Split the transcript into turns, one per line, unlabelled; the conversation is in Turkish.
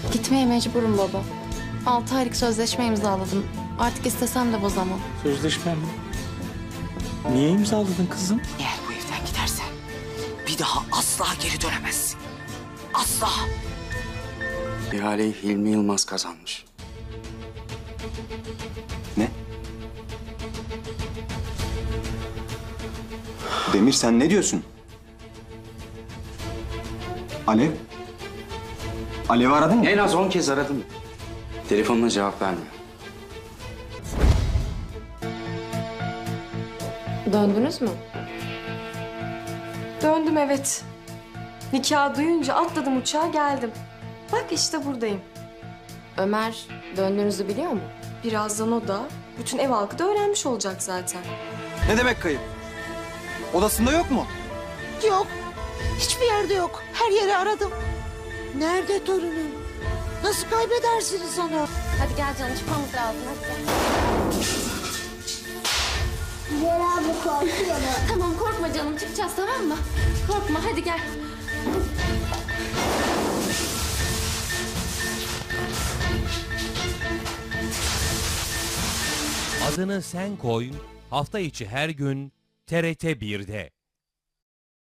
Gitmeye mecburum baba. 6 aylık sözleşme imzaladım. Artık istesem de bozamam.
Sözleşme mi? Niye imzaladın kızım?
Eğer bu evden gidersen bir daha asla geri dönemezsin. Asla.
İhaleyi Hilmi Yılmaz kazanmış.
Ne? Demir sen ne diyorsun? Alev? Alev'i aradın mı?
En az 10 kez aradım. Telefonuna cevap vermiyor.
Döndünüz mü?
Döndüm evet. Nikahı duyunca atladım uçağa geldim. Bak işte buradayım.
Ömer döndüğünüzü biliyor mu?
Birazdan o da, bütün ev halkı da öğrenmiş olacak zaten.
Ne demek kayıp? Odasında yok mu?
Yok. Hiçbir yerde yok. Her yeri aradım. Nerede torunum? Nasıl kaybedersiniz onu?
Hadi gel canım çıkmamız lazım. Hadi gel.
Diğer abla korkuyor mu?
Tamam korkma canım çıkacağız tamam mı? Korkma hadi gel.
Adını Sen Koy hafta içi her gün TRT 1'de.